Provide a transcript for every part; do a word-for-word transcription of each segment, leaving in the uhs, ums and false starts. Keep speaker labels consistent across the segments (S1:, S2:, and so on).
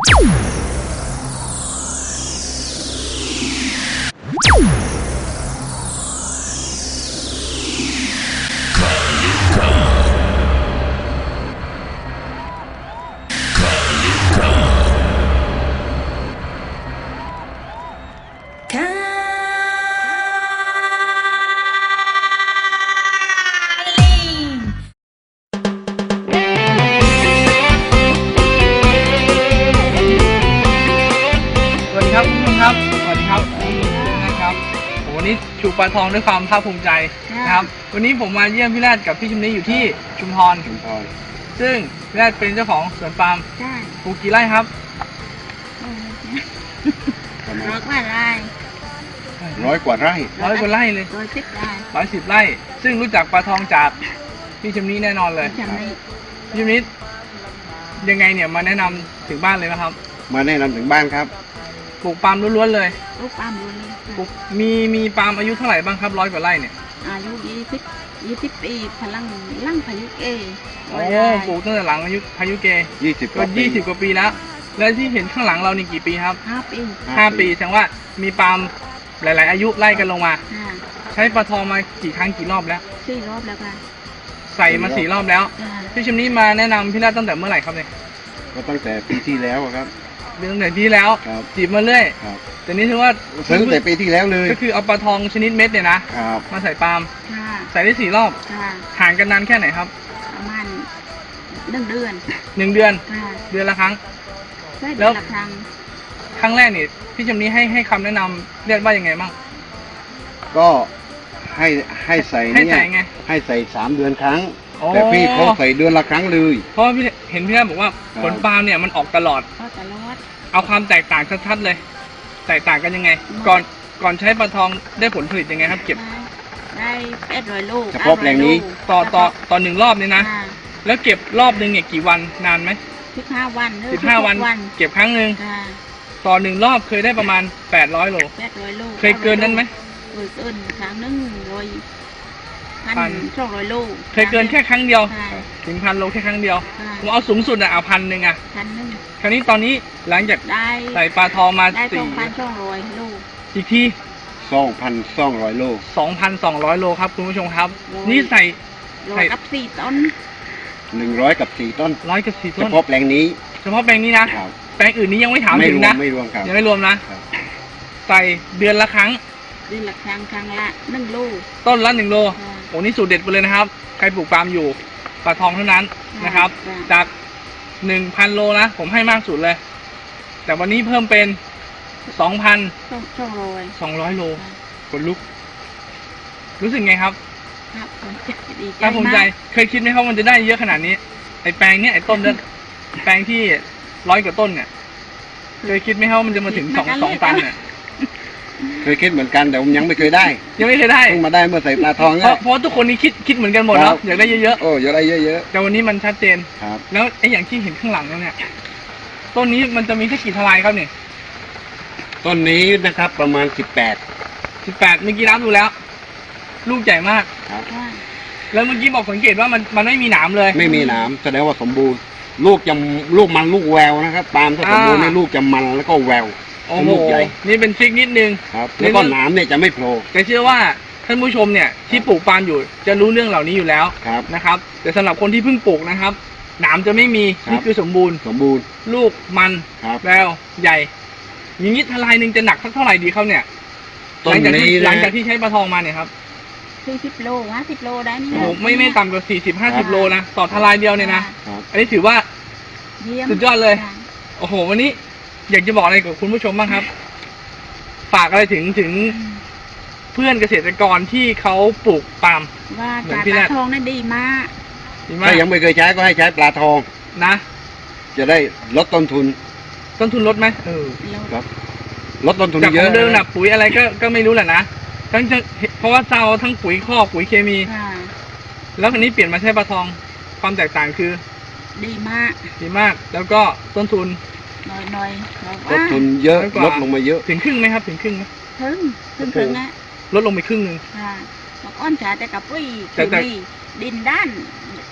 S1: วันนี้ชูปลาทองด้วยความภาคภูมิใจนะครับวันนี้ผมมาเยี่ยมพี่แรดกับพี่ชุมนี้อยู่ที่ชุมพรชุมพรซึ่งพี่แรดเป็นเจ้าของสวนปาล์มปลูกกี่ไร่ครับ
S2: ร้อยกว่าไร่
S3: ร้อยกว่าไร่
S1: ร้อยกว่าไร่เลย
S2: ร้อยสิบไร่
S1: ร้อยสิบไร่ซึ่งรู้จักปลาทองจากพี่ชุมนี้แน่นอนเลยพี่ชุมนี้ยังไงเนี่ยมาแนะนำถึงบ้านเลยนะครับ
S3: มาแนะนำถึงบ้านครับ
S1: ปลูกปาล์มล้วนๆเลย
S2: ปลูกปาล์มล้วนเลย
S1: ปลูกมีมีปาล์มอายุเท่าไหร่บ้างครับร้อยกว่าไร่เนี่ย
S2: อายุยี่สิบยี่สิบปีพลังลั่งพายุเก
S1: โอ้ปลูกตั้งแต่หลังอายุพายุเก
S3: ยี่สิบ
S1: ก็ยี่สิบกว่าปีแล้วแล้วที่เห็นข้างหลังเรานี่กี่ปีครับ
S2: ห้าปี
S1: ห้าปีแสดงว่ามีปาล์มหลายๆอายุไล่กันลงมาใช้ปลาทองมากี่ครั้งกี่รอบแล้ว
S2: สี่รอบแล้วค่ะ
S1: ใส่มาสี่รอบแล้วพี่ชิมนี้มาแนะนำพี่แรดตั้งแต่เมื่อไหร่ครับเนี่ย
S3: ก็ตั้งแต่ปีที่แล้วครับ
S1: ตั้งแต่ปีแล้วจีบมาเรื่อยแต่นี้ถือว่า
S3: ซื้อตั้งแต่ปีที่แล้วเลย
S1: ก็คือเอาปลาทองชนิดเม็ดเนี่ยนะมาใส่ปาล์มใส่ได้สี่รอบห่างกันนานแค่ไหนครับ
S2: ประมาณหนึ่งเดือน
S1: หนึ่งเดือนเดือนละครั้ง
S2: แล้วครั้ง
S1: ครั้งแรกนี่พี่จำนี้ให้ให้คำแนะนำเรียกว่ายังไงบ้าง
S3: ก็ให้ให้ใส่เนี่ยให้ใส่สามเดือนครั้งแต่พี่เขาใส่เดือนละครั้งเลย
S1: เพราะพี่เห็นพี่แรกบอกว่าผลปาล์มเนี่ยมันออกตลอดเอาความแตกต่างชัดๆเลยแตกต่างกันยังไงก่อนก่อนใช้ปลาทองได้ผลผลิตยังไงครับเก็บ
S2: ได้แปดร้อยลูก
S3: เฉพาะแปลงนี้
S1: ต่อต่อต่อหนึ่งรอบนี่นะแล้วเก็บรอบหนึ่งเนี่ยกี่วันนานไหม
S2: สิบห้าวัน
S1: สิบห้าวันเก็บครั้งหนึ่งต่อหนึ่งรอบเคยได้ประมาณแปดร้อยโล
S2: แปดร้อยโล
S1: เคยเกินนั้นไหม
S2: เคยเกินครั้งหนึ่งร้อยพันสองร้อยโล
S1: เคยเกินแค่ครั้งเดียวถึงพันโลแค่ครั้งเดียวผมเอาสูงสุดอะเอาพันหนึ่งอะ
S2: พันหนึ่ง
S1: คราวนี้ตอนนี้หลังจากใส่ปลาทองมา
S2: สี่สองพันสองร้อยโล
S1: อีกที่
S3: สองพันสองร้อยโล
S1: สองพันสองร้อยโลครับคุณผู้ชมครับนี่ใส่
S2: ใส่กับสี่ต้น
S3: หนึ่งร้อยกับสี่ต้น
S1: ร้อยกับสี่ต้น
S3: เฉพาะแปลงนี้
S1: เฉพาะแปลงนี้นะแปลงอื่นนี้ยังไม่ถามถึงนะ
S3: ไม่รวมครับ
S1: ยังไม่รวมนะใส่เดือนละครั้ง
S2: เดือนละครั้งครั้งละหนึ่งโล
S1: ต้นละหนึ่งโลโอ้นี่สูตรเด็ดไปเลยนะครับใครปลูกปาล์มอยู่ปลาทองเท่านั้นนะครับจากหนึ่งพันโลนะผมให้มากสุดเลยแต่วันนี้เพิ่มเป็นสองพัน
S2: สองร้อย
S1: สองร้อยโลคนลุกรู้สึกไงครับ
S2: ครับ
S1: ดีใจภูมิใจเคยคิดไหมครับมันจะได้เยอะขนาดนี้ไอ้แปลงเนี้ยไอ้ต้นเนี่ยแปลงที่ร้อยกว่าต้นเนี่ยเคยคิดไหมครับมันจะมาถึงสองสองตันเนี่ย
S3: เคยคิดเหมือนกันแต่ผมยังไม่เคยได้
S1: ยังไม่เคยได้
S3: เพิ่งมาได้เมื่อใส่ปลาทอง
S1: เพราะเพราะทุกคนนี้คิดคิดเหมือนกันหมดเนาะอยากได้เยอะๆ
S3: โอ้อยากได้เยอะ
S1: ๆแต่วันนี้มันชัดเจน
S3: ครับ
S1: แล้วไอ้อย่างที่เห็นข้างหลังเนี่ยต้นนี้มันจะมีแค่กี่ทลายครับเนี่ย
S3: ต้นนี้นะครับประมาณสิบแปด
S1: สิบแปดเมื่อกี้นับดูแล้วลูกใหญ่มาก
S3: ครับ
S1: แล้วเมื่อกี้บอกสังเกตว่ามันมันไม่มีหนามเลย
S3: ไม่มีหนามแสดงว่าสมบูรณ์ลูกจะลูกมันลูกแววนะครับปาล์มถ้าสมบูรณ์ในลูกจะมันแล้วก็แวว
S1: ลูกใหญ่นี่เป็นทริคนิดนึง
S3: ครับแล้วก็หนามเนี่ยจะไม่โผล่
S1: แต่เชื่อว่าท่านผู้ชมเนี่ยที่ปลูกปาล์มอยู่จะรู้เรื่องเหล่านี้อยู่แล้วนะครับแต่สำหรับคนที่เพิ่งปลูกนะครับหนามจะไม่มีนี่คือสมบูรณ์
S3: สมบูรณ์
S1: ลูกมันแววใหญ่อย่างนี้ทลายหนึ่งจะหนักสักเท่าไหร่ดีเขาเนี่ยหลังจากที่หลังจากที่ใช้ปลาทองมาเนี่ยครับ
S2: สี่สิบโลห้าสิบโลได้นี่
S1: โอ้ไม่ไม่ต่ำกว่าสี่สิบห้าสิบโลนะต่อทลายเดียวเนี่ยนะอันนี้ถือว่าสุดยอดเลยโอ้โหวันนี้อยากจะบอกอะไรกับคุณผู้ชมบ้างครับฝากอะไรถึงถึงเพื่อนเกษตรกรที่เขาปลูกปาล์ม
S2: ว่าปลาทองนั่นดีมาก
S3: ถ้ายังไม่เคยใช้ก็ให้ใช้ปลาทอง
S1: นะ
S3: จะได้ลดต้นทุน
S1: ต้นทุนลดไหมเออ
S3: ครับลดต้นทุนเยอะ
S1: จากเดิมน่ะปุ๋ยอะไรก็ก็ไม่รู้แหละนะทั้งเพราะว่าเราทั้งปุ๋ยคอกปุ๋ยเคมีแล้วอันนี้เปลี่ยนมาใช้ปลาทองความแตกต่างคือ
S2: ดีมาก
S1: ดีมากแล้วก็ต้นทุน
S2: น้อยน้อย
S3: ต้นทุนเยอะลดลงมาเยอะ
S1: ถึงครึ่งไหมครับถึงครึ่งไหม
S2: ถึงถึงถึงนะ
S1: ลดลงไปครึ่งหนึ่ง
S2: ค่ะอ้อนจ่าแต่กับปุ๋ยเคมีดินด้าน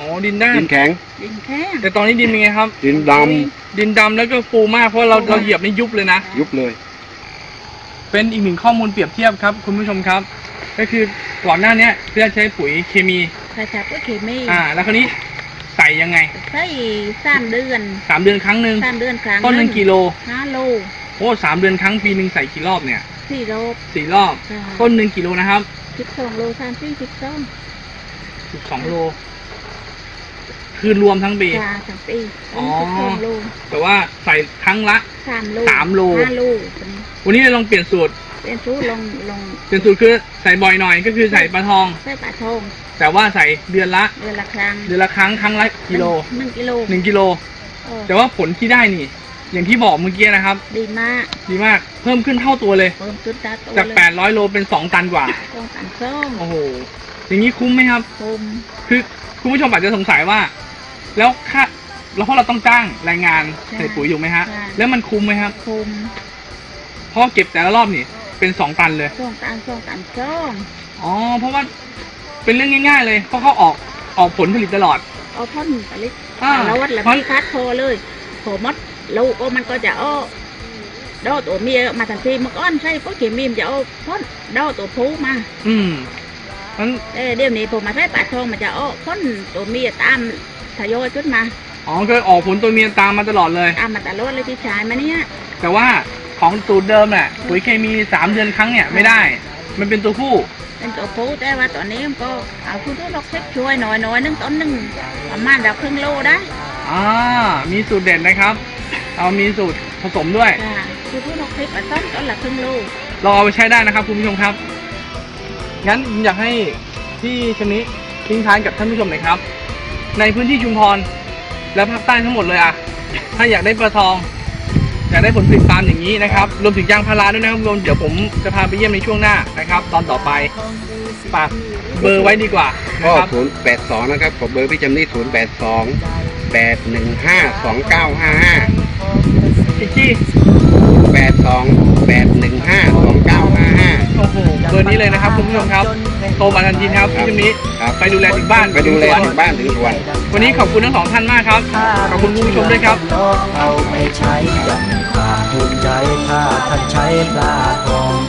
S1: อ๋อดินด้าน
S3: ดินแข็ง
S2: ดินแข็ง
S1: แต่ตอนนี้ดินเป็นไงครับ
S3: ดินด
S1: ดินดำแล้วก็ฟูมากเพราะเราเราเหยียบนี่ยุบเลยนะ
S3: ำยุบเลย
S1: เป็นอีกหนึ่งข้อมูลเปรียบเทียบครับคุณผู้ชมครับ ก็คือก่อนหน้าเนี้ยเพื่อใช้ปุ๋ยเคมี
S2: ใส่จากก็เคมี
S1: อ่า แล้วคราวนี้ใส่ยังไง
S2: ใส่สามเดือน
S1: สามเดือนครั้งหนึ่ง
S2: สามเดือนครั้ง
S1: ต้นหนึ่งกิโล
S2: ห้าโล
S1: โอ้สามเดือนครั้งปีหนึ่งใส่กี่รอบเนี่ย
S2: สี่โล
S1: สี่รอบ
S2: ค่ะ
S1: ต้นหนึ่งกิโลนะครับ
S2: สิบสองโลสามสี่สิบสอง
S1: สิบสองโล คือรวมทั้งปี
S2: จ้าสามปี
S1: อ๋อ
S2: สิบสองโล
S1: แต่ว่าใส่ครั้งละ
S2: สามโล
S1: สามโล
S2: ห้าโล
S1: วันนี้เราลองเปลี่ยนสูตร
S2: เป็นชูลงลง
S1: เปลี่ยนสูตรคือใส่บ่อยหน่อยก็คือใส่ปลาทอง
S2: ใส่ปลาทอง
S1: แต่ว่าใส่เดือนละ
S2: เดือนละครั้ง
S1: เดือนละครั้งครั้งละกิโล
S2: หนึ่งกิโล
S1: หนึ่งกิโล
S2: เออ
S1: แต่ว่าผลที่ได้นี่ อย่างที่บอกเมื่อกี้นะครับ
S2: ดีมาก
S1: ดีมาก เพิ่มขึ้นเท่าตัวเลย
S2: เพิ่มจุดตาโต
S1: จาก
S2: เลย
S1: แปดร้อยโลเป็นสองตันกว่า
S2: ต้องการส้ม
S1: โอ้โห อย่างนี้คุ้มไหมครับ
S2: คุม
S1: คือคุณผู้ชมอาจจะสงสัยว่า แล้วค่าแล้วเพราะเราต้องจ้างแรงงานใส่ปุ๋ยอยู่ไหมฮะ แล้วมันคุ้มไหมครับ
S2: คุม
S1: เพราะเก็บแต่ละรอบนี่เป็นสองตันเลย
S2: ต้องการต้องการส้ม
S1: อ๋อ เพราะว่าเป็นเรื่องง่ายๆเลย เพราะเขาออกออกผลผลิตตลอด
S2: เอาพ่นไปเลย
S1: อ่า
S2: แล้ววัดแล้ว
S1: เพราะ
S2: มีคัดโทรเลยโผมดลูกก็มันก็จะอ้อดอตัวเมียมาทันทีมันก้อนใช่ก็เขียมีมจะเอาพ่นดอตัวผู้มา
S1: อืมนั้น
S2: เอ้ยเดี๋ยวนี้ผมมาใช้ปลาทองมันจะอ้อพ่นตัวเมียตามทยอยขึ้นมา
S1: อ๋อก็ออกผลตัวเมียตามมาตลอดเลย
S2: ตามมาตลอดเลยที่ชายมาเนี่ย
S1: แต่ว่าของสูตรเดิมน่ะปุ๋ยเคมีสามเดือนครั้งเนี่ยไม่ได้ มันเป็นตัวผู้
S2: เป็นตัวผู้แต่ว่าตอนนี้มันก็เอาคุณทุกดอกเช็คช่วยหน่อยหน่อยนึงต้นหนึ่งประมาณดาวครึ่งโลได้
S1: อ่ามีสูตรเด่นนะครับ เอามีสูตรผสมด้วย
S2: ค่ะคุณทุกดอกเช็คมาต้นต้นละครึ่งโล
S1: ลองเอาไปใช้ได้นะครับคุณผู้ชมครับ งั้นผมอยากให้พี่ชนิทิ้งท้ายกับท่านผู้ชมหน่อยครับ ในพื้นที่ชุมพรและภาคใต้ทั้งหมดเลยอะถ้าอยากได้ปลาทอง อยากได้ผลผลิตปาล์มอย่างนี้นะครับ รวมถึงยางพาราด้วยนะครับรวมเดี๋ยวผมจะพาไปเยี่ยมในช่วงหน้านะครับ ตอนต่อไปฝากเบอร์ไว้ดีกว่านะ
S3: ก็
S1: ครับ
S3: ศูนย์แปดสองนะครับขอเบอร์พี่จำนี่ศูนย์แปดสองแปดหนึ่งห้าสองเก้าห้าห้า
S1: อีกที่
S3: แปดสองแปดหนึ่งห้าสองเก้าห้าห้า
S1: โอ้โหเบอร์นี้เลยนะครับคุณผู้ชมครับโทรมาทันทีครับพี่ชนิ
S3: ครับ
S1: ไปดูแลถึงบ้าน
S3: ไปดูแล
S1: สวน
S3: ถึงบ้านถึงสวน
S1: วันนี้ขอบคุณทั้งสองท่านมากครับ ขอบคุณคุณผู้ชมด้วยครับ
S4: เอาไปใช้อย่างมีความภูมิใจถ้าท่านใช้ปลาทอง